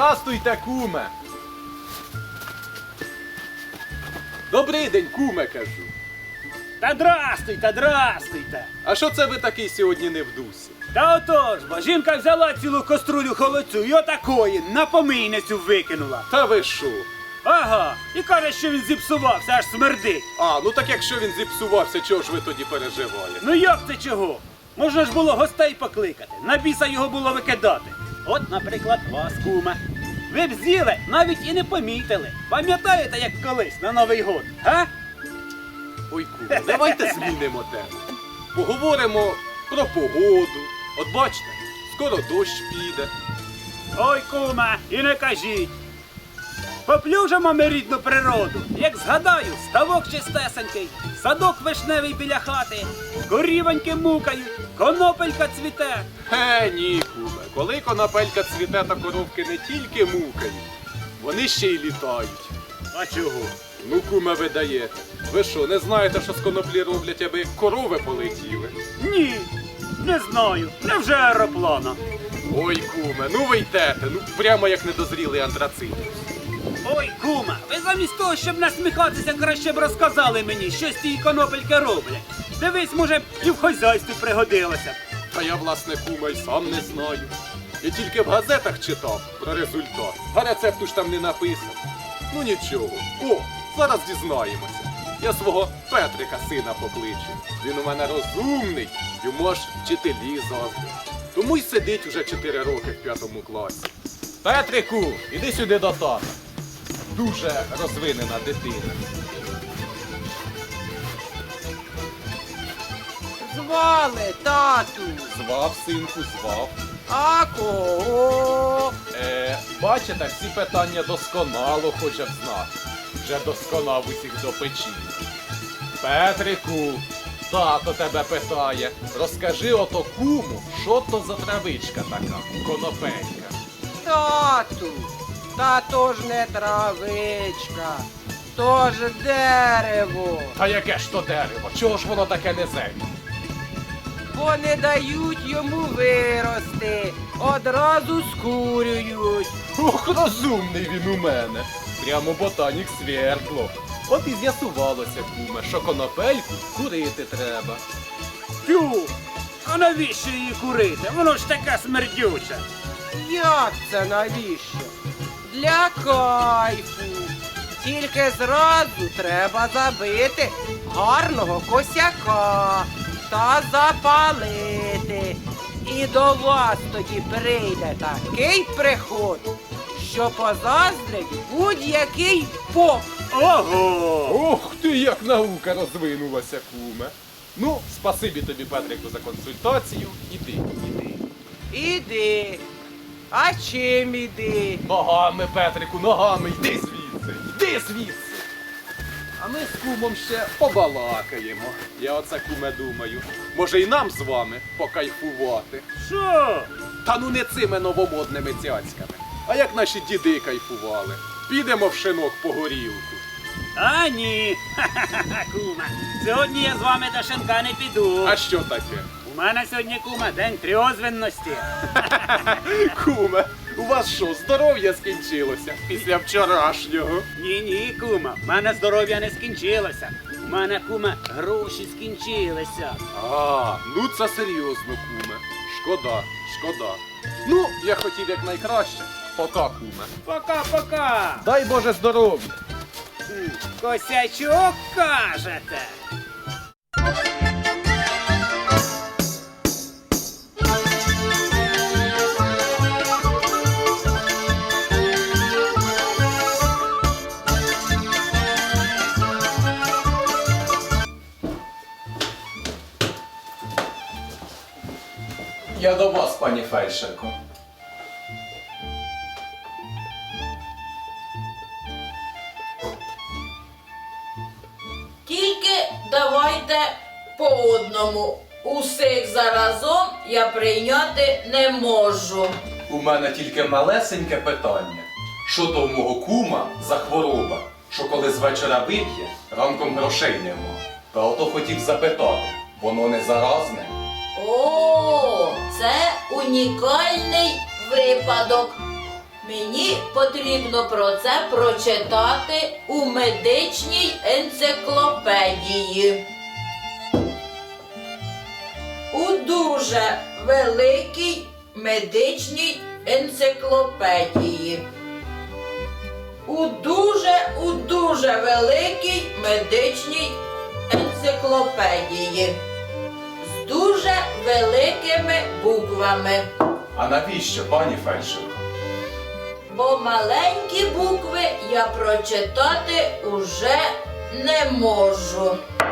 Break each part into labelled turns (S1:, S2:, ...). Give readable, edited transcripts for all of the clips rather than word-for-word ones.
S1: Здрастуйте, куме! Добрий день, куме, кажу.
S2: Та здрастуйте!
S1: А що це ви такий сьогодні не в дусі?
S2: Та отож, бо жінка взяла цілу каструлю холодцю і отакої на помийницю викинула.
S1: Та ви що?
S2: Ага, і каже, що він зіпсувався, аж смердить.
S1: А, ну так якщо він зіпсувався, чого ж ви тоді переживаєте?
S2: Ну як це чого? Можна ж було гостей покликати, на біса його було викидати. От, наприклад, вас, куме. Ви б з'їли, навіть і не помітили. Пам'ятаєте, як колись на Новий год, га?
S1: Ой, куме, давайте змінимо тему. Поговоримо про погоду. От бачите, скоро дощ піде.
S2: Ой, куме, і не кажіть. Поплюжимо ми рідну природу. Як згадаю, ставок чистесенький, садок вишневий біля хати, корівоньки мукають, конопелька цвіте.
S1: Ні, куме, коли конопелька цвіте, та коровки не тільки мукають, вони ще й літають.
S2: А чого?
S1: Ну, куме, ви даєте. Ви що, не знаєте, що з коноплі роблять, аби корови полетіли?
S2: Ні, не знаю. Невже аероплана?
S1: Ой, куме, ну ви йдете, ну прямо як недозрілий антрацит.
S2: Ой, куме, ви замість того, щоб насміхатися, краще б розказали мені, що з тієї конопельки роблять. Дивись, може, і в хазяйстві пригодилося.
S1: Та я, власне, куме, й сам не знаю. Я тільки в газетах читав про результат, а рецепту ж там не написано. Ну нічого. О, зараз дізнаємося. Я свого Петрика сина покличу. Він у мене розумний, йому аж вчителі заздрять. Тому й сидить уже 4 роки в 5 класі. Петрику, іди сюди до тата. Дуже розвинена дитина.
S3: Звали, тату.
S1: Звав, синку, звав.
S3: А кого?
S1: Бачите, всі питання досконало хоче б знати. Вже досконав усіх до печі. Петрику, тато тебе питає, розкажи ото куму, що то за травичка така, конопелька.
S3: Тату. Та то ж не травичка, то ж дерево.
S1: Та яке ж то дерево, чого ж воно таке неземне?
S3: Бо не дають йому вирости, одразу скурюють.
S1: Ох, розумний він у мене. Прямо ботанік свердло. От і з'ясувалося, куме, що конопельку курити треба.
S2: Тю, а навіщо її курити? Воно ж таке смердюче.
S3: Як це навіщо? Для кайфу. Тільки зразу треба забити гарного косяка та запалити. І до вас тоді прийде такий приход, що позаздрить будь-який поп.
S2: Ого!
S1: Ох ти, як наука розвинулася, куме. Ну, спасибі тобі, Петрику, за консультацію. Іди, іди.
S3: Іди. А чим іди?
S1: Ногами, Петрику, ногами, йди звідси, йди звідси. А ми з кумом ще побалакаємо. Я оце, куме, думаю, може і нам з вами покайфувати.
S2: Що?
S1: Та ну не цими новомодними цяцьками, а як наші діди кайфували. Підемо в шинок по горілку.
S2: А ні. Ха-ха-ха, куме. Сьогодні я з вами до шинка не піду.
S1: А що таке?
S2: У мене сьогодні, куме, день трьозвинності.
S1: Куме, у вас що, здоров'я скінчилося після вчорашнього?
S2: Ні, куме, в мене здоров'я не скінчилося. У мене, куме, гроші скінчилися.
S1: А, ну це серйозно, куме. Шкода, шкода. Ну, я хотів якнайкраще. Пока, куме.
S2: Пока-пока.
S1: Дай Боже здоров'я.
S2: Косячок кажете.
S1: Я до вас, пані фельдшерко.
S4: Тільки давайте по одному. Усіх заразом я прийняти не можу.
S1: У мене тільки малесеньке питання. Що то у мого кума за хвороба, що коли з вечора вип'є, ранком грошей нема? Та ото хотів запитати, воно не заразне?
S4: О, це унікальний випадок. Мені потрібно про це прочитати у медичній енциклопедії. У дуже великій медичній енциклопедії. У дуже великій медичній енциклопедії. З дуже великими буквами.
S1: А навіщо, пані фельдшерко?
S4: Бо маленькі букви я прочитати уже не можу.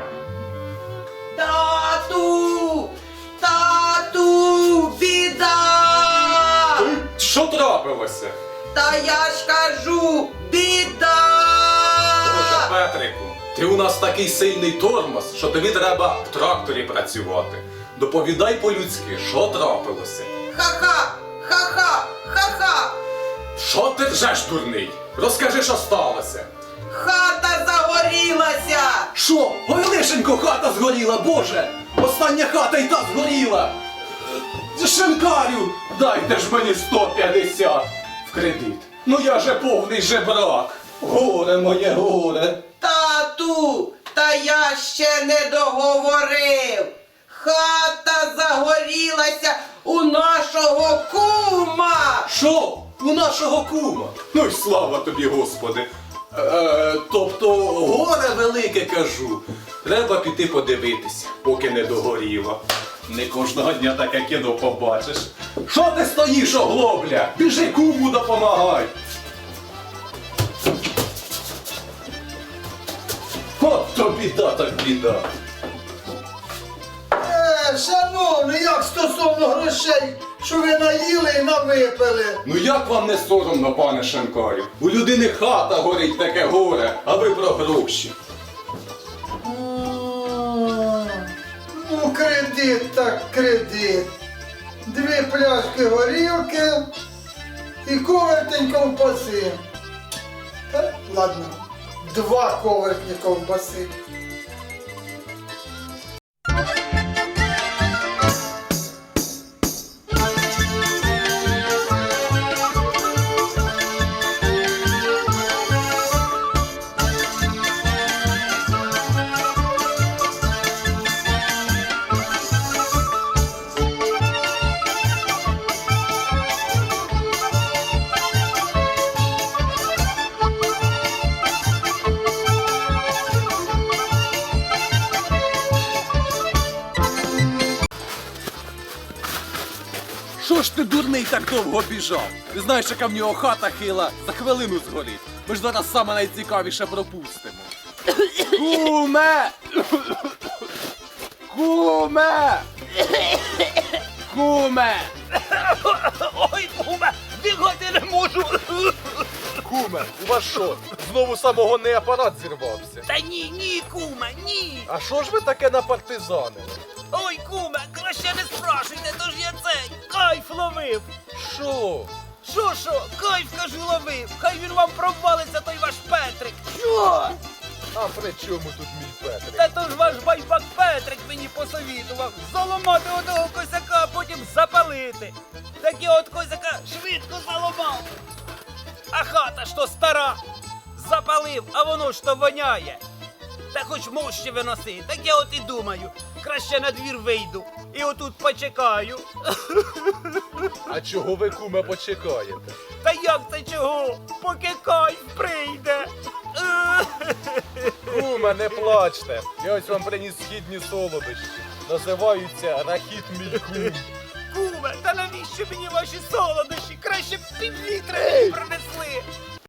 S3: Тату! Тату! Біда!
S1: Що трапилося?
S3: Та я ж кажу, біда!
S1: Боже, Петрику, ти у нас такий сильний тормоз, що тобі треба в тракторі працювати. Доповідай по-людськи, що трапилося?
S3: Ха-ха! Ха-ха! Ха-ха!
S1: Що ти ржеш, дурний? Розкажи, що сталося.
S3: Хата загорілася!
S1: Що? Ой, лишенько, хата згоріла, Боже! Остання хата й та згоріла! Шинкарю, дайте ж мені 150 в кредит. Ну я же повний жебрак. Горе моє, горе.
S3: Тату! Та я ще не договорив! Хата загорілася у нашого кума!
S1: Що? У нашого кума? Ну й слава тобі, Господи. Тобто горе велике, кажу. Треба піти подивитися, поки не догоріло. Не кожного дня таке кіно побачиш. Що ти стоїш, оглобля? Біжи куму допомагай. От то біда так біда.
S5: Шановний, як стосовно грошей, що ви наїли і навипили?
S1: Ну як вам не соромно, пане Шинкарю? У людини хата горить, таке горе, а ви про гроші.
S5: Ну, кредит так кредит. 2 пляшки горілки і ковертень ковбаси. Та, ладно, 2 ковертні ковбаси.
S1: Що ж ти, дурний, так довго біжав? Ти знаєш, яка в нього хата хила, за хвилину згорить. Ми ж зараз саме найцікавіше пропустимо. Куме! Куме! Куме!
S2: Ой, куме, бігати не можу.
S1: Куме, у вас що, знову самогонний апарат зірвався?
S2: Та ні, куме, ні.
S1: А що ж ви таке напартизанили?
S2: Ой, куме, краще не спрашуйте, тож я цей кайф ловив.
S1: Що?
S2: Що, кайф, кажу, ловив. Хай він вам провалиться, той ваш Петрик. Що?
S1: А при чому тут мій Петрик?
S2: Та то ж ваш байбак Петрик мені посовітував заламати одного косяка, а потім запалити. Так я от косяка швидко заламав. А хата ж то стара. Запалив, а воно ж то воняє. Та хоч мощі виноси, так я от і думаю, краще на двір вийду і отут почекаю.
S1: А чого ви, куме, почекаєте?
S2: Та як це чого? Поки кайф прийде.
S6: Куме, не плачте. Я ось вам приніс східні солодощі. Називаються рахіт мій кум.
S2: Куме, та навіщо мені ваші солодощі? Краще б півлітра мені принесли.